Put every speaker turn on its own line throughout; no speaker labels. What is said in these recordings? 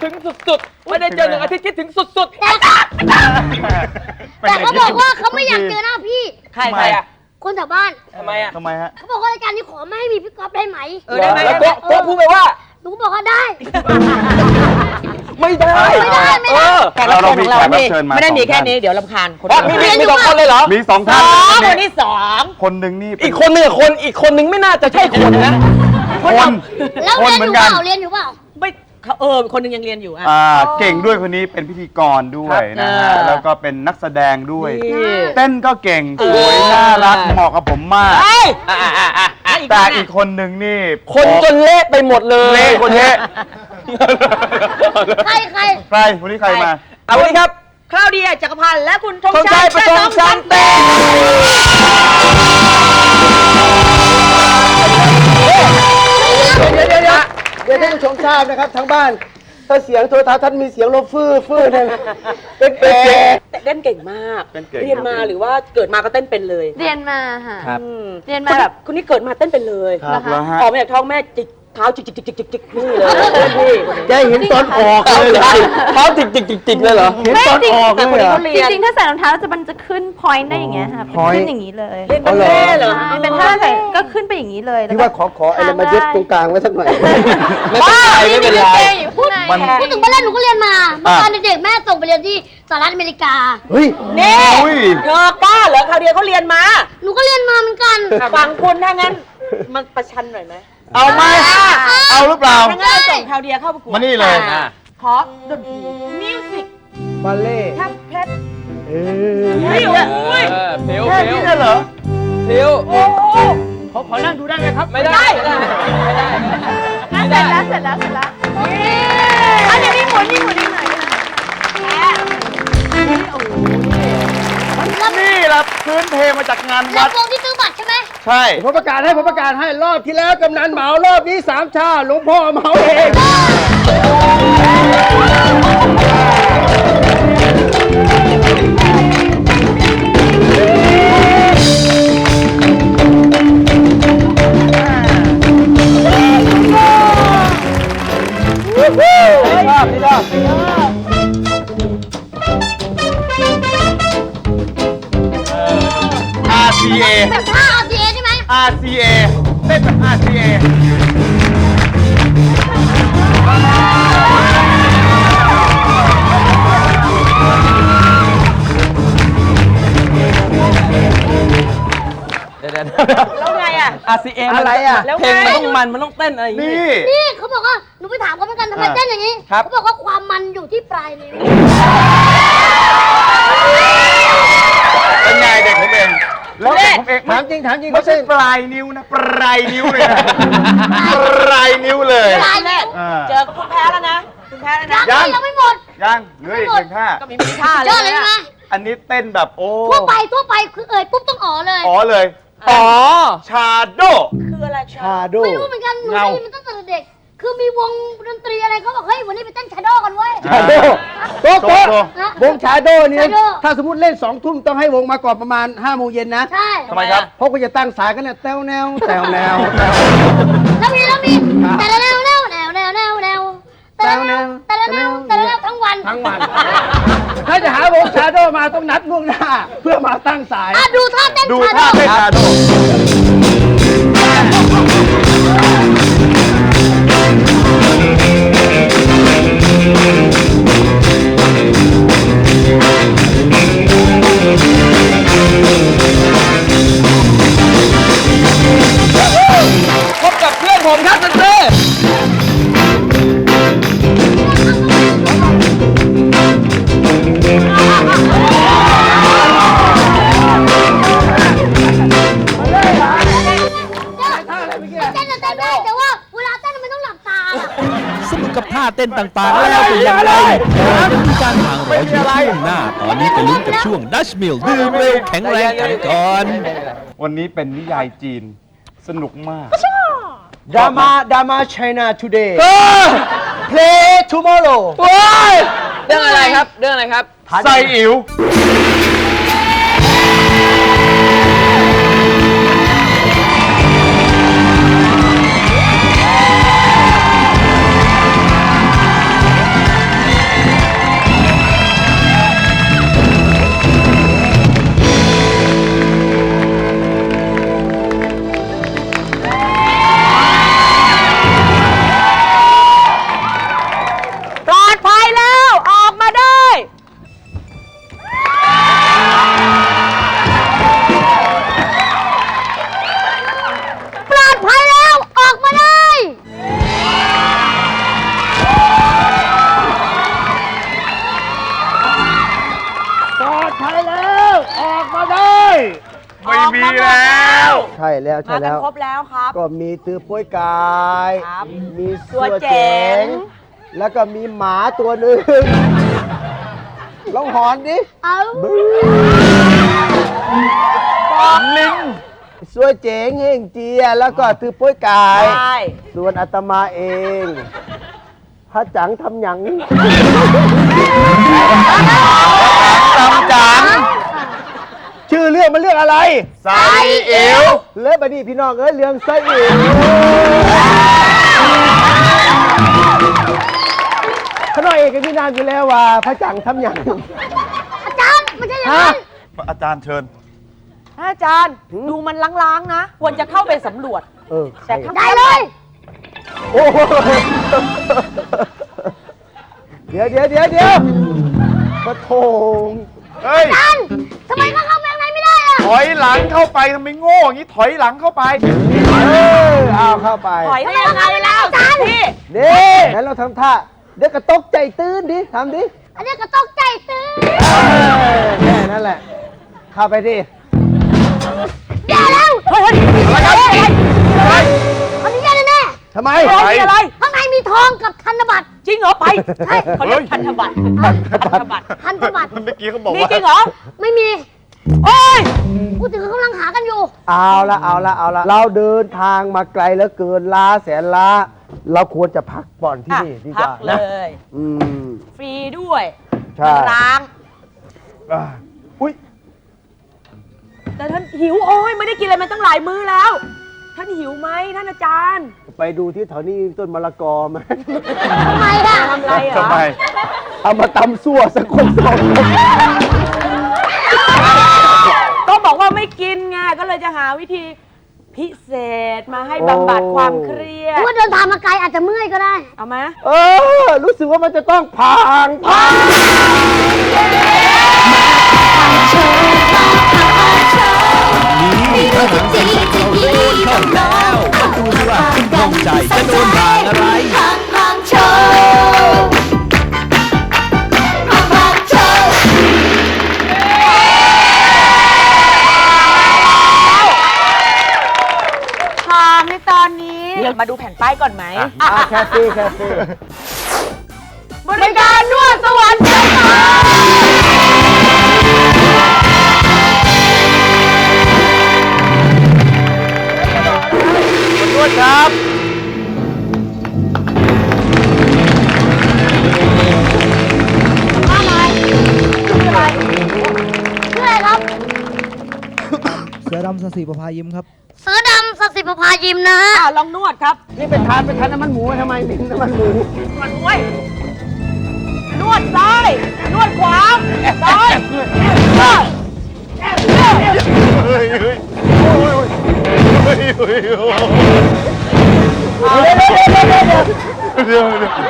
ถึงสุดๆไม่ได้เจอ1 อาทิตย์คิดถึงสุดๆ
แต่เขาบอกว่าเขาไม่อยากเจอหน้าพี่
ใครอ่ะ
คนแถวบ้าน
ทำไม
ฮะ
เขาบอกว่ารายการนี้ขอไม่ให้มีพี่ก๊อฟได้ไหม
ได้ไหมแล้วก็พูดไปว่า
หนูบอกว่าได้
ไม่ได้
แขกรับเชิญของเราไม่ได้มีแค่นี้เดี๋ยวรำคาญคน
มี2 คนเลยเหรอ
มี2 ท่าน
คนที่2
คนหนึ่งนี่
อีกคนนึงอีกคนนึงไม่น่าจะใช่คนนะ
แล้วเรียนอยู่เปล่า
ไม่คนนึงยังเรียนอยู่
เก่งด้วยคนนี้เป็นพิธีกรด้วยนะฮะแล้วก็เป็นนักแสดงด้วยเต้นก็เก่งสวยน่ารักเหมาะกับผมมากแต่อีกคนหนึ่งนี่
คนจนเละไปหมดเลย
เละคนเละ
ใคร
วันนี้ใครมา
เอาวันนี้ครับ
คราวเดียจักรพันธ์และคุณธงชั
ยประจงชันเต้
เดี๋ยวท่านผู้ชมทราบนะครับทั้งบ้านถ้าเสียงโทรทัศน์ท่านมีเสียงลมฟื้นเนี่ยเป็น
เต้นเก่งมากเรียนมาหรือว่าเกิดมาก็เต้นเป็นเลย
เรียนมาค่ะ
เรียนมาแบบคนนี้เกิดมาเต้นเป็นเลยออกมาจากท้องแม่จิกเท้าจิกนี่เลยพี่
แกเห็นตอนออกเลย
เท้าจิกเลยเหรอ
เห็นตอนออกเลย
จริงๆถ้าใส่รองเท้ามันจะขึ้นพอยต์ได้อย่างเงี้ยค่ะขึ้นอย่างนี้เลย
เล่นเป็นแม่เหรอ
เป็นท่าใส่ก็ขึ้นไปอย่างนี้เลย
ที่ว่าขออะไรมายึดตรงกลางไว้สักหน่อย
ไม่เป็นไร
พูดถึงบ้านหนูก็เรียนมาเมื่อตอนเด็กแม่ส่งไปเรียนที่สหรัฐอเมริกา
เฮ้ย
นี่เธอป้าเหรอคราวเดียวเขาเรียนมา
หนูก็เรียนมาเหมือนกัน
ฟังคุณถ้างั้นมันประชันหน่อยไหม
เอาไหมเอาหรือเปล่า
ถ้างั้นส่งคราวเดียวเข้าประกวด
มานี่เลย
ขอดนตรีมิวสิก
บัลเล่
ทับเพชร
เพลว
แค่นี้เหรอ
เพลว
ขอนั่งดูได้ไหมครับ
ไม่ได้
เสร็จแล้วอันนี้มีหมุนนิดหน่อย
นี่แหละพื้นเพมาจากงานวัด
วงที่ซื้อบัตรใช่ไหม
ใช่
ผมประกาศให้รอบที่แล้วกำนันเหมารอบนี้3 ชาหลวงพ่อเหมาเอง
นี่รอบRCA
แบบท่า RCA ใช่ไหม
RCA เต้นแบบ RCA
แล้วไง
RCA
อะไร
เพลงมันต้องเต้นอะไรอย่างนี้
นี่เขาบอกว่าหนูไปถามเขาเหมือนกันทำไมเต้นอย่างนี้เขาบอกว่าความมันอยู่ที่ปลายนิ้ว
เป็นไงเด็กผมเองแล้วเด็กผมเอง
ถามจริง
ไม่ใช่ปลายนิ้วนะปลายนิ้วเลยนะปลายนิ้วเลย
เจอคุณแพ้แล้วนะคุณแพ้แล้วนะ
ยังไม่หมด
ยังเหลืออีก1 ท่า
ก็มีท่าเลย
เจอเลยใช่ไหม
อันนี้เต้นแบบ
ทั่วไปคือปุ๊บต้องอ๋อเลย
ชาโด
คืออะไร
ชาโด
ไม่รู้เหมือนกันหนูได้ยินมันตั้งแต่เด็กคือมีวงดนตรีอะไรเขาบอกเฮ้ยวันนี้ไปเต้นชาโดกันเว้ย
ชาโดโต๊ะวงชาโดนี่ถ้าสมมติเล่น2 ทุ่มต้องให้วงมาก่อนประมาณ5 โมงเย็นนะ
ใช่
ทำไมครับ
เพราะก็จะตั้งสายกันเนี่ยแต้วแนว
แล้วมีแต่ละแนวทั้งวัน
ถ้าจะหาวงชาโดมาต้องนัดล่วงหน้าเพื่อมาตั้งสาย
ดูท่าเต้น
ชาโด
พบกับเพื่อนผมครับเต้
แต่ว่าเวลาเต้นมันต้องหลับตา
สนุกกับท่าเต้นต่างๆแล้วเป็นอย่างไรมีการห่างรออยู่ช่วงหน้าตอนนี้ไปลุ้นกับช่วงดัชมิลดื่มเร็วแข็งแรงกันก่อน
วันนี้เป็นนิยายจีนสนุกมาก
ดราม่า China Today Play Tomorrow
เรื่องอะไรครับ
ไซอิ๋วมีแล้ว
ใช่แล้ว
มา
ใช่
กั
แล้
น
ว
ครบแล้วครับ
ก็มีตือโป้ยกาย
ครับ
มี
ตัวเจ๋ง
แล้วก็มีหมาตัวหนึ่งลองหอนดิ
เอา
ลิง
สวยเจ๋งเฮงเจีย แล้วก็ตือโป้ยกาย
ใช่
ส่วนอาตมาเองพระจังทำหยัง
จำจัง
ชื่อเรื่องมันเรื่องอะไร
ใส่เอว
เลิศบดีพี่น้องเอ้ยเรื่องไส้อิ๋วขน้อยเอกกับพี่นานอยู่แล้วว่าพระจังทำหยัง
อาจารย์ไม่ใช่อย่างนั้น
อาจารย์เชิญ
อาจารย์ดูมันล้างๆนะ ควรจะเข้าไปสำรวจ
เออ
แต่ข้าง
ได้เลย
โอ้โหเดี๋ยวปะโถง
เฮ้ย
อาจารย์ทำไมเขาเข้าไปข้างในไม่ได้อะ
ถอยหลังเข้าไปทำไมโง่อย่างนี้ถอยหลังเข้าไป
เอาเข้าไป
ถอยได้ยังไงแล้วอาจารย์พี่
นี่งั้นเราทำท่าเดี๋ยวกระตกใจตื่นดิทำดิ
อันนี้ก็ตกใจตื่น
แค่นั้นแหละ เข้าไปดิ
แย่แล้ว
เฮ้ยอะไร
อันนี้แย่แน่
ทำไม
ๆอะไรอะไร
ๆข้างในมีทองกับธนบัตร
จริงเหรอไป
ใช่
เขาเรียกพันธบัตรพันธบัตร
พันธบัตร
เมื่อกี้เขาบอก
มี
ว่า
จริงเหรอ
ไม่มี
โอ้ย
พูดถึงเขากำลังหากันอยู่
เอาละเราเดินทางมาไกลแล้วเกินล้าแสนล้า เราควรจะพักผ่อนที่นี่ดีก
พั
ว่า
เล
นะ
ย
อืม
ฟรีด้วย
ใช่
ล้าง
อุ้ย
แต่ท่านหิวโอ้ยไม่ได้กินอะไรมาตั้งหลายมื้อแล้ว ท่านหิวไหมท่านอาจารย์
ไปดูที่แถวนี้ต้นมะละกอไหม
ทำไมอะ
ทำอะไรเหรอ
ทำไม
เอามาตำซั่วสักคนสองคน
ก็บอกว่าไม่กินไงก็เลยจะหาวิธีพิเศษมาให้บำบัดความเครียด
ว่าเดินทางมาไกลอาจจะเมื่อยก็ได้
เอาไหม
รู้สึกว่ามันจะต้องพัง
นี่ทหารสังกัดเราโดนเข้าแล้วมาดูสิว่าน้องใจจะโดนด่างอะไร
ทางในตอนนี้มาดูแผ่นป้ายก่อนไหม
แคฟฟี่
บริการนวดสวรรค์ชั้นฟ้า
นวดครับ
ชื่ออะไรครับ
เสือดำสสีประภายิ้มครับ
เสือดำสสิประภายิมนะฮะ
ลองนวดครับ
นี่ไปทานน้ำมันหมูทำไมมิ้นน้ำมันหมู
นวดด้วยนวดซ้าย นวดขวา ซ้ายนวด
เฮ้ยเฮ้ยโอ้ยเฮ้ยเฮ้ยเดี๋ยว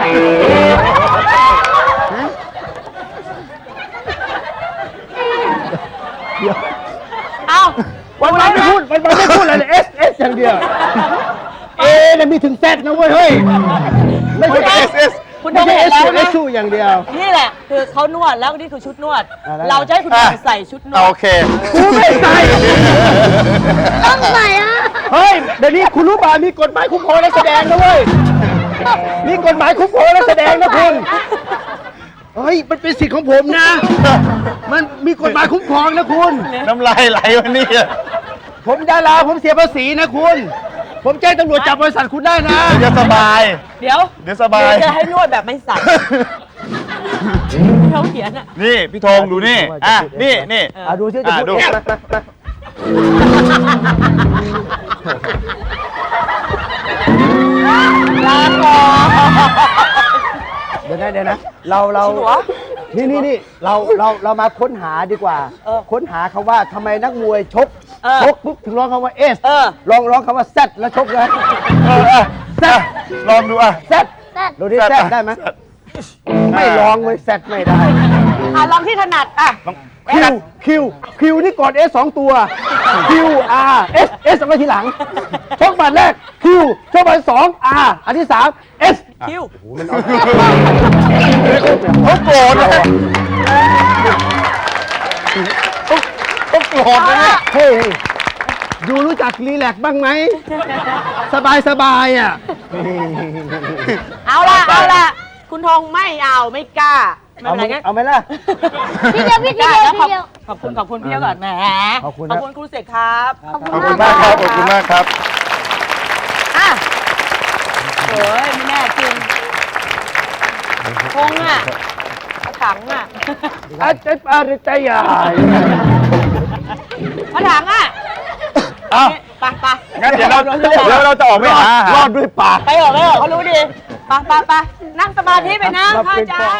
เอา
วันไม่พูดอะไรเลย S อย่างเดียว A เนี่ยมีถึง Z นะเว้ยเฮ้ย ไม่ใช่
S
คุณ
ไม่
ทง
ใช่
เห็น
S
แล้ว
สู
นะ
S สูอย่างเดียว
นี่แหละ คือเขานวดแล้วนี่คือชุดนวด
แล้ว
เราจะให้คุณทงใส่ชุดนว
โอ
ด
เค
กูไม่ใส่
ต้องใส่อะ
เฮ้ย เดี๋ยวนี้คุณรู้ป่ะมีกฎหมายคุ้มครองนักแสดงนะเว้ย มีกฎหมายคุ้มครองนักแสดงนะคุณ เฮ้ย มันเป็นสิทธิ์ของผมนะ มันมีกฎหมายคุ้มครองนะคุณ
น้ำลายไหลวันนี้
ผมดารา ผมเสียภาษีนะคุณ ผมแจ้งตำรวจจับบริษัทคุณได้นะ
จะสบาย
เดี๋ยว
เดี๋ยวสบาย
จะให้นวดแบบไม่ใส่เขาเขียนอ่ะ
นี่พี่ธงดูนี่ นี่
ดูซิจะพูด
ดู
เอง
ลาก่อน
เดี๋ยวนะ เรา
จริงเหรอ
นี่เรามาค้นหาดีกว่า ค้นหาคำว่าทำไมนักมวยชกปุ๊บถึงร้องคำว่า S ร้องคำว่า Z แล้วชกเลย Z
ลองดูอ่ะ
Z ดูดิ Z ได้ไหมไม่ลองเลย Z ไม่ได้
ลองที่ถนัดอ่ะ
คิวนี่ก่อน S 2 ตัว Q R S เอาไว้ทีหลัง ชกบัตรแรก Q ชกบัตร2 R อันที่3 S
คิว
เขาโกรธเลยเขาโกรธเลยเนี่ย
เฮ้ยดูรู้จักรีแลกซ์บ้างไหม สบายอ่ะ
เอาล่ะ คุณธงไม่เอาไม่กล้าไม่เป็นไรงั้น
เอาไหมล่ะ
พี่เดียวพี่เดียว
ได้
พี่เดียว
ขอบคุณพี่เดียวก่อนแหม
ขอบคุณ
ขอบคุณครูเสกครับ
ขอบคุณมากครับ ขอบคุณมากครับ
อ่ะโอ้ยไม่แน่จริงธงอ่ะถังอ่ะ
อาจารย์ปาริตยา
ถังอ่ะ
อ้าว
ไป
งั้นเดี๋ยวเราจะออกไปหาร
อดด้วยปาก
ไปเถอะเขารู้ดีไปนั่งสมาธิไปนะพระอาจารย์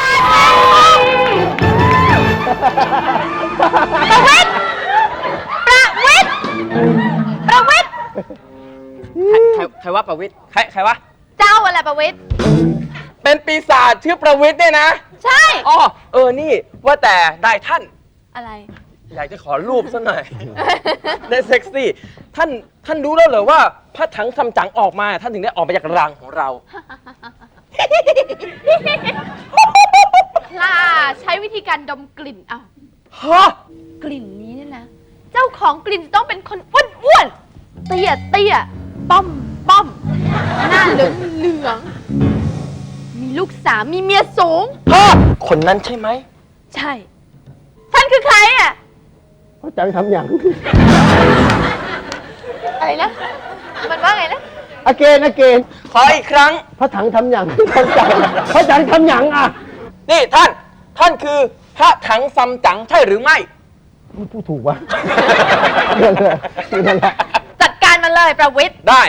ประวิตร
ใครว่าประวิตรใครวะ
เจ้าอะไรประวิตร
เป็นปีศาจชื่อประวิตรเนี่ยนะ
ใช่
อ๋อนี่ว่าแต่ได้ท่าน
อะไร
อยากจะขอรูปซะหน่อย ได้เซ็กซี่ ท่านรู้แล้วเหรอว่าพระถังซัมจั๋งออกมา ท่านถึงได้ออกมาจากรังของเรา
ล่าใช้วิธีการดมกลิ่นเอา
ฮะ
กลิ่นนี้เนี่ยนะ เจ้าของกลิ่นต้องเป็นคนอ้วนๆเตี้ยป้อมหน้าเหลืองมีลูกสาวมีเมียสูง
คนนั้นใช่ไหม
ใช่ ท่านคือใครอ่ะ
เขาจังทำอย่าง
อะไรนะ มันว่าไงนะ
อเกน
ขออีกครั้ง
พระถังทำอย่างพระจังทำอย่างอ่ะ
นี่ท่านคือพระถังซัมจั๋งใช่หรือไม่
พูดถูกวะนั่นแหละ
จัดการมันเลยประวิตร
ได้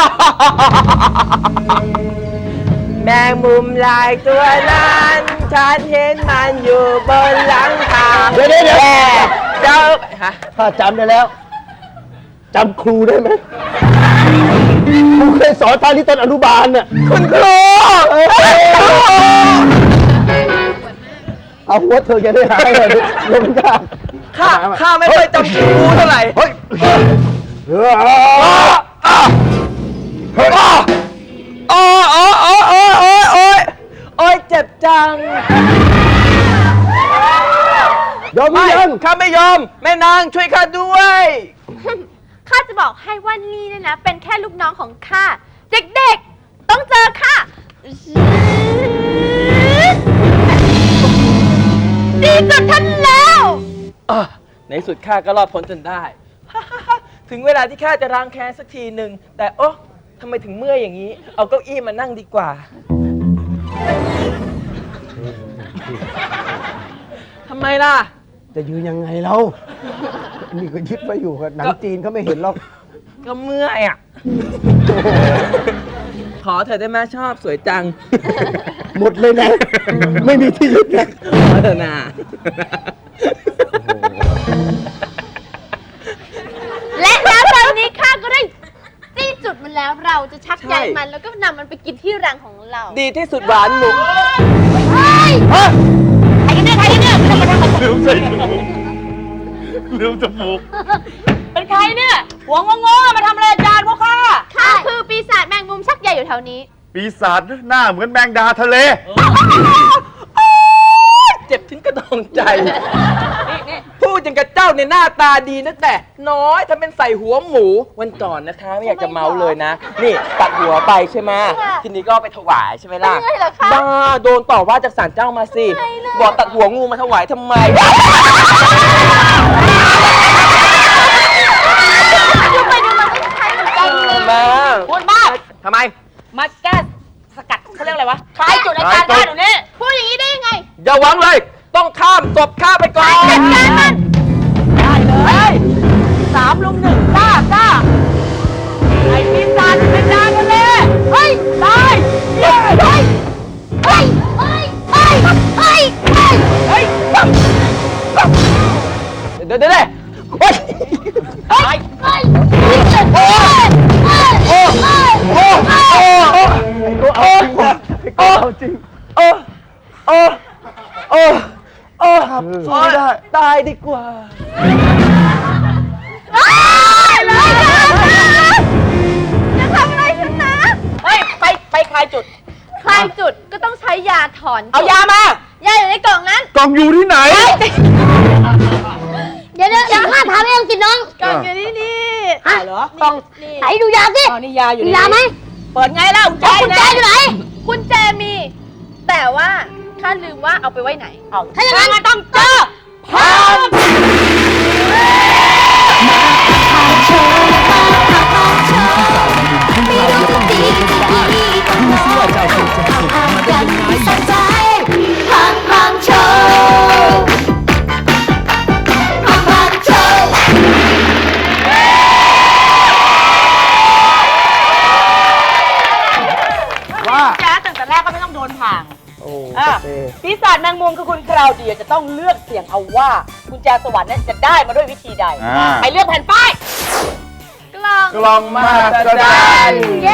แมงมุมลายตัวนั้นฉันเห็นมันอยู่บนหลังคา
เดี๋ยว
เจ้าฮะ
ถ้าจำได้แล้วจำครูได้ไหมครูเคยสอนตอนที่ต้นอนุบาลน่ะ
คุณครู
เอาหัวเธอจะได้หายเลยลงยาก
ข้าไม่ค่อยจำครูเท่าไหร่
เฮ้ย
โอ้ยเจ็บจัง
ยอมหรือยัง
ข้าไม่ยอม แม่นางช่วยข้าด้วย
ข้าจะบอกให้ว่านี่เนี่ยนะ เป็นแค่ลูกน้องของข้า เด็กๆ ต้องเจอข้าดีสุดท่านแล้ว
ในสุดข้าก็รอดพ้นจนได้ ถึงเวลาที่ข้าจะล้างแค้นสักทีหนึ่ง แต่โอ๊ะทำไมถึงเมื่อยอย่างนี้ เอาเก้าอี้มานั่งดีกว่า ทำไมล่ะ
จะยืนยังไงเรานี่ก็ยึดไว้อยู่กับหนังจีนเขาไม่เห็นหรอก
ก็เมื่อยอ่ะ ขอเธอได้ไหมชอบสวยจัง
หมดเลยนะ ไม่มีที่ยึดนะ
ขอเธอนา
และแล้วตอนนี้ข้าก็ได้จี้จุดมันแล้ว เราจะชักใยมันแล้วก็นำมันไปกินที่รังของเรา
ดีที่สุดหวานหมู
เฮ้ยใครกันเนี่ยจะมาทำอะไร
ลืมใส่หมูลืมจมูก
เป็นใครเนี่ย หัวงงๆมาทำอะไรอาจารย์พวกข้า
ข้าคือปีศาจแมงมุมชักใยอยู่แถวนี้
ปีศาจหน้าเหมือนแมงดาทะเล
เจ็บถึงกระดองใจ นี่พูดอย่างกับเจ้าเนี่ยหน้าตาดีนะแต่น้อยทำเป็นใส่หัวหมู วันก่อนนะคะ ไม่อยากจะเมาเลยนะ นี่ตัดหัวไปใช่ไหมทีนี้ก็ไปถวายใช่ไหมล่ะ
เป็นไงเหรอคะ
บ้าโดนต่อว่าจากศาลเจ้ามาสิ
ไม่เลย
บอกตัดหัวงูมาถวายทำไม
ดูไปดูมาก็คล้ายเหมือนกันเลย
มา
พูดมาก
ทำไม
มาแก้สกัดเขาเรียกอะไรวะคลายจุดอาจารย์ได้เดี๋ยวนี้
พูดอย่างนี้ได้ยังไง
อย่าหวังเลย ต้องข้ามศพข้าไปก่อน
จัดการมัน
ได้เลย3 ลุม 1กล้ไอ้ปีศาจเป็นดาวทะเลเฮ้ยตายเย้เฮ้ย
เฮ้ย
เดี๋ยวโอ๊ย
เอาจริง
สู้ไม่ได้ ตายดีกว่า
จะทำอะไรฉันนะ
เฮ้ยไปคลายจุด
คลายจุดก็ต้องใช้ยาถอน
เอายามา
ยาอยู่ในกล่องนั้น
กล่องอยู่ที่ไหน
เดี๋ยวดี๋ยวข้าถามเองสิน้อง
กล่องอยู่นี่
ฮะ
เหรอกล่อง
ไหนดูยาสิ
อ๋อนี่ยาอยู่
มี
นี่
ยาไหม
เปิดไงล่ะกุญแจ
กุญแจอยู่ไหน
กุญแจมี แต่ว่าข้าลืมว่าเอาไปไว้ไหน
เอา
ถ้าอย่างนั้น
ต้องเจอพัง
ดูสิว่าเจ้าคุณจะสนุกมันได้ยังไง
ว่า
แจ๊สตั้งแต่แรกก็ไม่ต้องโดนพัง
โอ้
อ่ะ
เต้
ปีศาจแมงมุมคือคุณคราวเดียจะต้องเลือกเสี่ยงเอาว่ากุญแจสวรรค์นั้นจะได้มาด้วยวิธีใด ไปเลือกแผ่นป้าย
กล่อง
กล่องมหัศจรรย์
เย้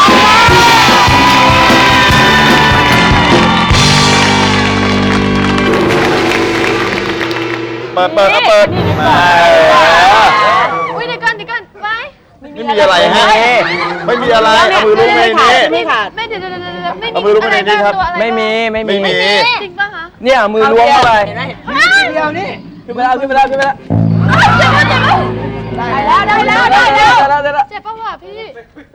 เปิดก็เปิดมา
อุ้ยเดี๋ยวก่อนไว้
ไม่มีอะไรฮะไม่มีอะไรเอามือลูบในนี้
ไม่ขาด
ไม่เดี๋ยวไม่มี
เอามือลูบไปในนี้ครับ
ไม่มี
ไม่มี
จริงป่ะคะ
เนี่ยมือล้วงเข้าไป
เห็นไหม
เดียวนี่ขึ้นไปแล้วขึ้นไปแล้วขึ้นไปแล้ว
ได้แล้ว
ได้แล้ว
เจ็บป่ะวะพี่